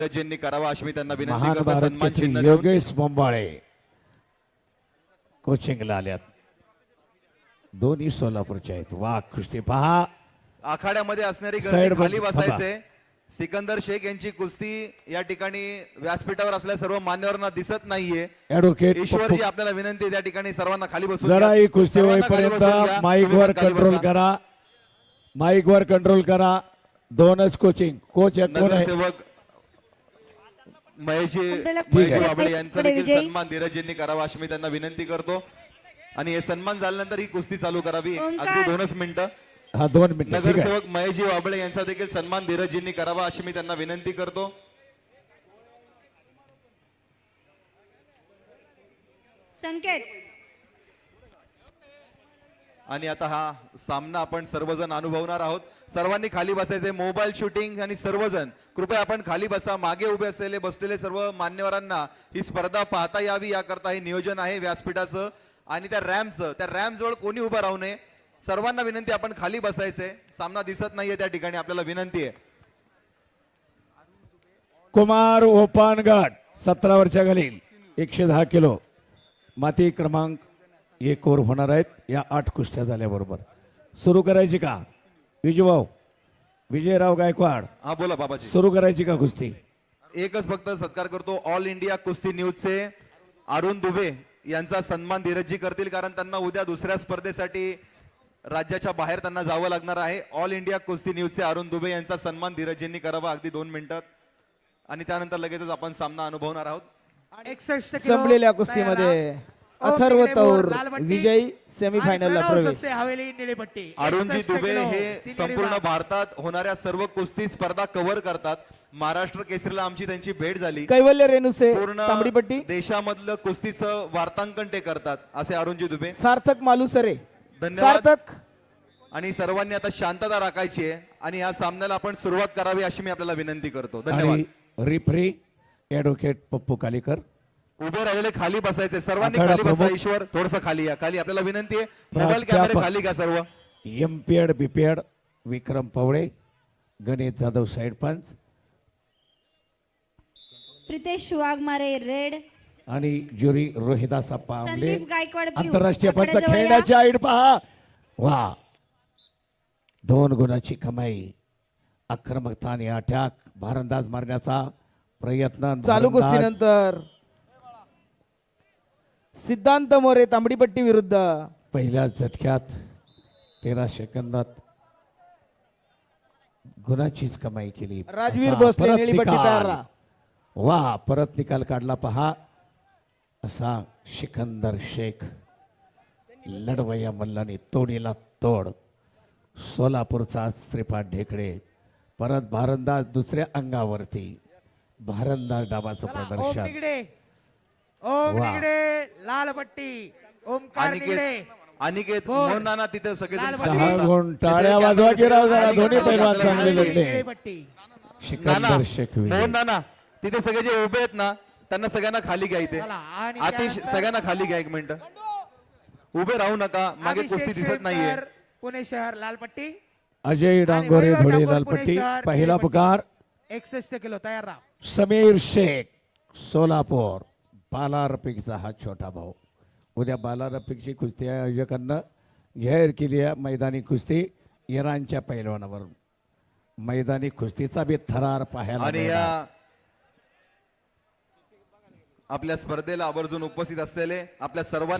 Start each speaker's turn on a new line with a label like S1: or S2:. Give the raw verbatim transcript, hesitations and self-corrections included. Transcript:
S1: ज्यांनी करावा अशी मी त्यांना विनंती
S2: महान
S1: करतो.
S2: भारत
S1: सन्मान
S2: केसरी
S1: चिन्ह देऊन.
S2: योगेश बोंबाळे कोचिंगला आल्यात. दोन्ही सोलापूरचे आहेत. वा कुस्ती पहा.
S1: आखाड्यामध्ये असणारी
S2: साइड
S1: गर्दी खाली
S2: बंद-
S1: बसायचे. सिकंदर शेख यांची कुस्ती या ठिकाणी व्यासपीठावर असल्या सर्व मान्यवरांना दिसत नाहीये.
S2: ऍडव्होकेट
S1: ईश्वरजी आपल्याला विनंती आहे त्या ठिकाणी सर्वांना खाली बसून
S2: जरा
S1: घ्या.
S2: ही कुस्ती
S1: सर्वांना खाली
S2: होईपर्यंत
S1: बसून घ्या.
S2: माईक
S1: तुम्ही
S2: वर
S1: पण खाली
S2: कंट्रोल
S1: बसा.
S2: करा. माईक वर कंट्रोल करा. दोनच कोचिंग कोच कोण आहे?
S1: नगरसेवक महेशजी
S3: आपल्याला
S1: महेशजी
S3: पुढे-
S1: बाबळे यांचा
S3: पुढे
S1: देखील
S3: विजयी.
S1: सन्मान धीरजींनी करावा अशी मी त्यांना विनंती करतो. आणि हे सन्मान झाल्यानंतर ही कुस्ती चालू करावी.
S3: ओंकार.
S1: अगदी दोनच मिनिटं.
S2: हा दोन मिनिट ठीक आहे.
S1: नगरसेवक महेशजी बाबळे यांचा देखील सन्मान धीरजींनी करावा अशी मी त्यांना विनंती करतो.
S3: संकेत
S1: आणि आता हा सामना आपण सर्वजण अनुभवणार आहोत. सर्वांनी खाली बसायचे. मोबाईल शूटिंग आणि सर्वजण कृपया आपण खाली बसा. मागे उभे असलेले बसलेले सर्व मान्यवरांना ही स्पर्धा पाहता यावी याकरता हे नियोजन आहे व्यासपीठाचं आणि त्या रॅम्पचं. त्या रॅम्प जवळ कोणी उभं राहू नये. सर्वांना विनंती आपण खाली बसायचे. सामना दिसत नाहीये त्या ठिकाणी आपल्याला विनंती आहे.
S2: कुमार ओपानगड सतरा वर्षा खालील एकशे दहा किलो माती क्रमांक एक वर होणार आहेत. या आठ कुस्त्या झाल्याबरोबर सुरू करायची का विजयभाऊ? विजयराव गायकवाड
S1: हा बोला बाबाजी.
S2: सुरू करायची का कुस्ती?
S1: एकच फक्त सत्कार करतो. ऑल इंडिया कुस्ती न्यूजचे अरुण दुबे यांचा सन्मान धीरजी करतील कारण त्यांना उद्या दुसऱ्या स्पर्धेसाठी राज्याच्या बाहेर त्यांना जावं लागणार आहे. ऑल इंडिया कुस्ती न्यूजचे अरुण दुबे यांचा सन्मान धीरजींनी करावा अगदी दोन मिनिटात आणि त्यानंतर लगेचच आपण सामना अनुभवणार आहोत.
S4: एकसष्ट किलो
S5: संपलेल्या कुस्तीमध्ये अथर्व तौर विजयी सेमीफायनलला प्रवेश.
S4: हवेली निळीपट्टी.
S1: अरुणजी
S4: एकसष्ट
S1: दुबे
S4: किलो
S1: हे
S4: सिनियर
S1: संपूर्ण
S4: विभाग.
S1: भारतात होणाऱ्या सर्व कुस्ती स्पर्धा कव्हर करतात. महाराष्ट्र केसरीला आमची त्यांची भेट झाली.
S5: कैवल्य रेणुसे
S1: पूर्ण
S5: तांबडीपट्टी.
S1: देशामधलं कुस्तीचं वार्तांकन ते करतात असे अरुणजी दुबे.
S5: सार्थक मालुसरे.
S1: धन्यवाद.
S5: सार्थक
S1: आणि सर्वांनी आता शांतता राखायची आहे आणि या सामन्याला आपण सुरुवात करावी अशी मी आपल्याला विनंती करतो. धन्यवाद.
S2: आणि रिफ्री ॲडव्होकेट पप्पू कालीकर.
S1: उभे राहिलेले खाली बसायचे. सर्वांनी
S2: आखाडा
S1: खाली बसा.
S2: प्रमुख.
S1: ईश्वर थोडस खाली या. खाली आपल्याला विनंती आहे. मोबाईल कॅमेरे
S2: प्राध्यापक.
S1: खाली घ्या सर्व.
S2: MPEd BPEd Vikram Pawale Ganesh Jadhav side पंच
S3: प्रितेश वाघमारे रेड.
S2: आणि ज्युरी रोहिदास अप्पा आमले.
S3: संदीप गायकवाड ब्ल्यू.
S2: आंतरराष्ट्रीय पंच
S3: आखाड्याजवळ या.
S2: खेळण्याची आईड पहा. वा दोन गुणाची कमाई. आक्रमकता आणि अटॅक भारंदाज मारण्याचा प्रयत्न.
S5: चालू
S2: भारंदाज.
S5: कुस्तीनंतर सिद्धांत मोरे तांबडीपट्टी विरुद्ध
S2: पहिल्या झटक्यात तेरा सेकंदात गुणाचीच कमाई केली.
S5: राजवीर
S2: असा
S5: भोसले
S2: परत
S5: निळीपट्टी
S2: निकाल.
S5: तयार राहा.
S2: वा परत निकाल काढला पहा. असा सिकंदर शेख लढवया मल्लाने तोडीला तोड. सोलापूरचा श्रीपाद ढेकळे परत भारंदाज दुसऱ्या अंगावरती. भारंदाज डावाचं
S4: चला, ओम
S2: प्रदर्शन.
S4: निगडे. ओम
S2: वा.
S4: निगडे लाल पट्टी. ओमकार निगडे.
S1: अनिकेत अनिकेत
S4: बोल.
S1: मोहन नाना तिथे सगळेजण
S4: लाल
S1: खाली
S4: दहा
S1: बसा.
S2: गुण
S1: तिसरे
S2: टाळ्या
S1: कॅमेरे
S2: वाजवा की राव जरा.
S1: खाली
S2: दोन्ही
S1: घ्या.
S2: पैलवान
S1: आपल्याला
S2: चांगले
S1: विनंती आहे.
S2: लढले.
S4: निळीपट्टी.
S1: नाना
S2: सिकंदर शेख
S1: मोहन
S2: विजय.
S1: नाना तिथे सगळे जे उभे आहेत ना त्यांना सगळ्यांना खाली घ्या. इथे
S4: चला, आणि
S1: आतिश
S4: त्यानंतर
S1: सगळ्यांना खाली घ्या. एक मिनिट उभे राहू नका. मागे
S4: अभिषेक
S1: कुस्ती दिसत
S4: शेळकर,
S1: नाहीये.
S4: पुणे शहर लाल पट्टी.
S2: अजय डांगोरे
S4: वैभव
S2: धुळे
S4: ठाकूर,
S2: लालपट्टी.
S4: पुणे शहर,
S2: पहिला
S4: निळीपट्टी.
S2: पुकार
S4: एकसष्ट किलो तयार राहा.
S2: समीर शेख सोलापूर. बाला रफिकचा हा छोटा भाऊ. उद्या बाला रफिकची कुस्ती आयोजकांना जाहीर केली आहे. मैदानी कुस्ती इराणच्या पैलवानावर. मैदानी कुस्तीचा बी थरार पाहायला
S1: आणि
S2: मिळणार.
S1: या आपल्या स्पर्धेला आवर्जून उपस्थित असलेले आपल्या सर्वांना